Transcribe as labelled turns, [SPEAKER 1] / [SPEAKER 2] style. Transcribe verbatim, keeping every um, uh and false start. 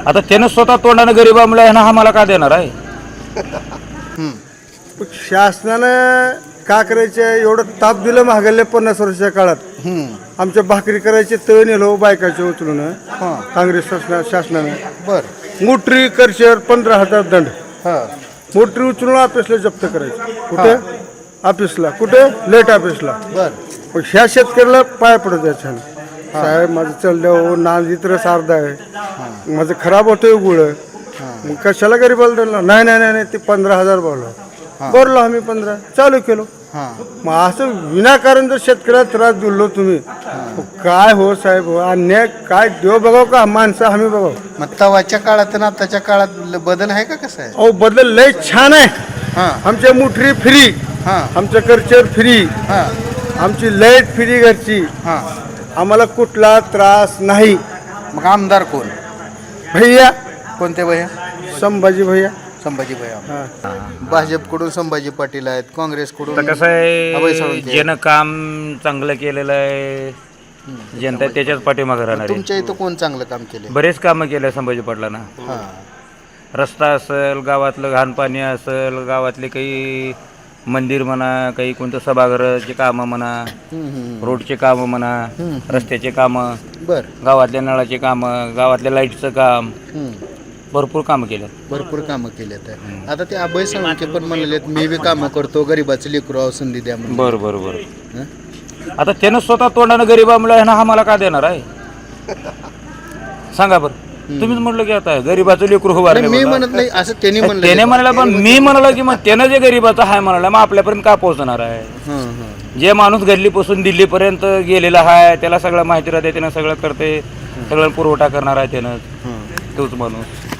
[SPEAKER 1] आता त्यानं स्वतः तोंडानं गरीबामुळे ह्यानं आम्हाला का देणार आहे?
[SPEAKER 2] शासनानं का करायचे एवढं ताप दिलं महागल्ले पन्नास वर्षाच्या काळात आमच्या भाकरी करायचे तळ नेलो बायकाचे उचलून काँग्रेस शासना शासनानं
[SPEAKER 3] बर
[SPEAKER 2] मोटरी करशेर पंधरा हजार दंड
[SPEAKER 3] हा
[SPEAKER 2] मोटरी उचलून ऑफिसला जप्त करायची कुठे ऑफिसला कुठे लेट ऑफिसला
[SPEAKER 3] बर
[SPEAKER 2] मग ह्या शेतकऱ्याला पाय पडत आहे छान साहेब माझं चाललं नांदीत रस अर्धा आहे माझं खराब होतोय गुळ मग कशाला गरीबाला दिलं नाही नाही नाही नाही ते पंधरा हजार बोललो बोललो आम्ही पंधरा चालू केलो
[SPEAKER 3] हा
[SPEAKER 2] मग असं विनाकारण जर शेतकऱ्याला त्रास दिलो तुम्ही मग काय हो साहेब हो अन्याय काय देव बघाव का माणसं आम्ही बघाव
[SPEAKER 3] मग तवाच्या काळात आणि आताच्या काळात ल- बदल आहे का कसं आहे?
[SPEAKER 2] अहो बदल लय छान आहे
[SPEAKER 3] हा
[SPEAKER 2] आमच्या मुठरी फ्री
[SPEAKER 3] हा
[SPEAKER 2] आमचं करचर फ्री
[SPEAKER 3] हा
[SPEAKER 2] आमची लाईट फ्री घरची
[SPEAKER 3] हा
[SPEAKER 2] आम्हाला कुठला त्रास नाही
[SPEAKER 3] मग आमदार कोण?
[SPEAKER 2] भैया
[SPEAKER 3] कोणते भैया?
[SPEAKER 2] संभाजी भैया
[SPEAKER 3] संभाजी भैया.
[SPEAKER 2] हा.
[SPEAKER 3] भाजपकडून संभाजी पाटील आहेत, काँग्रेसकडून
[SPEAKER 1] आता कसं
[SPEAKER 3] अभय
[SPEAKER 1] आहे,
[SPEAKER 3] साळुंखे.
[SPEAKER 1] ज्यानं काम चांगलं केलेलं आहे जनता त्याच्याच पाठीमागे राहणार आहे.
[SPEAKER 3] तुमच्या इथं कोण चांगलं काम केले?
[SPEAKER 1] बरेच कामं केले संभाजी पाटलांना.
[SPEAKER 3] हा
[SPEAKER 1] रस्ता असेल, गावातलं घाण पाणी असेल, गावातले काही मंदिर म्हणा, काही कोणतं सभागृहाचे कामं म्हणा,
[SPEAKER 3] हम्म, हम्म.
[SPEAKER 1] रोडचे कामं म्हणा, रस्त्याचे कामं,
[SPEAKER 3] बर
[SPEAKER 1] गावातल्या नळाचे कामं, गावातल्या लाईटचं काम,
[SPEAKER 3] हम्म.
[SPEAKER 1] भरपूर कामं केलं.
[SPEAKER 3] भरपूर कामं केलेत आहे. आता ते अभय साळुंखे पण म्हणलेत मी बी कामं करतो, गरीबाचं लेकरू संधी द्या म्हणून.
[SPEAKER 1] बरं बरं बरं.
[SPEAKER 3] हं?
[SPEAKER 1] आता त्यानं स्वतः तोंडानं गरीबामुळे ह्यानं आम्हाला का देणार आहे? सांगा बरं. तुम्हीच म्हटलं की आता गरीबाचं लेकरू
[SPEAKER 3] नाही,
[SPEAKER 1] उभारले
[SPEAKER 3] मी
[SPEAKER 1] बघा.
[SPEAKER 3] म्हणत नाही असं त्यांनी म्हणलं.
[SPEAKER 1] त्याने म्हणाला पण मी म्हणाला की मग त्यानं जे गरीबाचं आहे म्हणाला मग आपल्यापर्यंत का पोहोचणार आहे?
[SPEAKER 3] हं, हं.
[SPEAKER 1] जे माणूस गल्लीपासून दिल्लीपर्यंत गेलेला आहे त्याला सगळं माहिती राहते, त्यानं सगळं करते, सगळं पुरवठा करणार आहे त्यानं, तोच माणूस.